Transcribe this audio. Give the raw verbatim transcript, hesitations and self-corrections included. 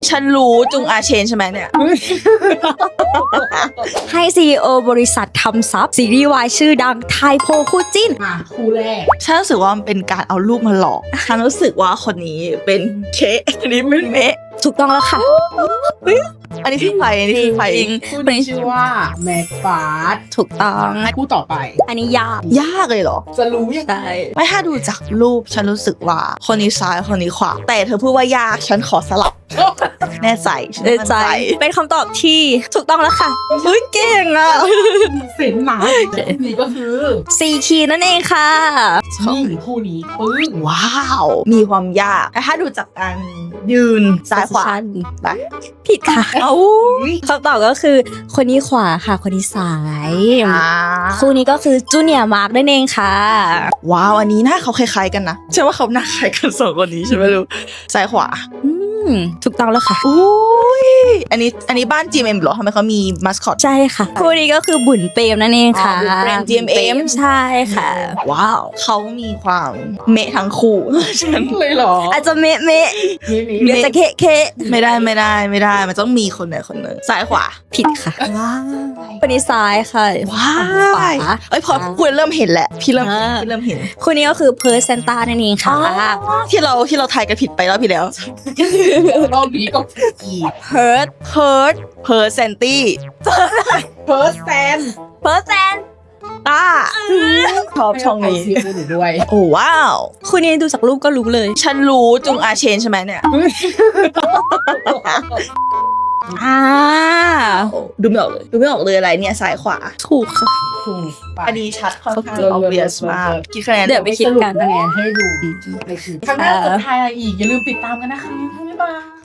ฉันรู้จุงอาเชนใช่ไหมเนี่ยให้ ซี อี โอ บริษัททำซับซีรีส์วายชื่อดังไทโพคู่จิ้นมาคู่แรกฉันรู้สึกว่ามันเป็นการเอารูปมาหลอกฉันรู้สึกว่าคนนี้เป็นเคอันนี้เป็นเมะถูกต้องแล้วค่ะอันนี้คือใครอันนี้คือใครคู่นี้ชื่อว่าแม็กฟาสถูกต้องคู่ต่อไปอันนี้ยากยากเลยเหรอจะรู้ยังไงใช่ไม่ถ้าดูจากรูปฉันรู้สึกว่าคนนี้ซ้ายคนนี้ขวาแต่เธอพูดว่ายากฉันขอสลับแน่ใจฉันเอมั่นใจ เป็นคำตอบที่ถูกต้องแล้วค่ะเฮ้ยเก่งอ่ะเส้นหนานี่ก็คือสี่คีย์นั่นเองค่ะนี่คู่นี้ปึ้งว้าว มีความยากแต่ถ้าดูจากการยืนซ้ายขวาไปผิดค่ะเอ้าคำตอบก็คือคนนี้ขวาค่ะ คนนี้ซ้ายอ่าคู่นี้ก็คือจูเนียร์มาร์กนั่นเองค่ะว้าวอันนี้หน้าเขาคล้ายๆกันนะใช่ว่าเขาหน้าคล้ายกันสองคนนี้ใช่ไหมลูกซ้ายขวาอืมถูกต้องแล้วค่ะอุ้ยอันนี้อันนี้บ้าน จี เอ็ม เอ็ม เหรอทำไมเขามีมัสคอตใช่ค่ะ คู่นี้ก็คือบุญเปรมนั่นเองค่ะอ๋อบุญเปรม จี เอ็ม เอ็มใช่ค่ะว้าวเขามีความเมะทั้งคู่ ฉันเลยเหรออาจจะเมะเมะนี่นี่เดี๋ยวจะเคะเคะไม่ได้ไม่ได้ไม่ได้มันต้องมีคนไหนคนหนึ่งซ้ายขวาผิดค่ะว้าวคนนี้ซ้ายค่ะว้าขวาวเอ้ยพอคุยเริ่มเห็นแหละพี่เริ่มเห็นอ่าพี่เริ่มเห็นคู่นี้ก็คือเพิร์ซเซนต้านั่นเองค่ะที่เราที่เราทายกันผิดไปแล้วพี่แล้วรอบนี้ก็อีกเพิร์ดเพิร์ดเพิร์ดเซนตี้เฟิร์สแซนเพิร์ซแซนต้าชอบช่องนี้ซีอูหนูด้วยโอ้ว้าวคู่นี้ดูจากรูปก็รู้เลยฉันรู้จุงอาเชนใช่ไหมเนี่ยอ่าดูไม่ออกเลยดูไม่ออกเลยอะไรเนี่ยซ้ายขวาถูกค่ะถูกไปอันนี้ชัดค่อนข้างเลิศ obvious เลิศมากเลิศกี่คะแนนเดี๋ยวไปคิดกันคะแนนให้ดูดีในคลิปครั้งหน้าจะทายอะไรอีก อย่าลืมติดตามกันนะคะบ๊ายบาย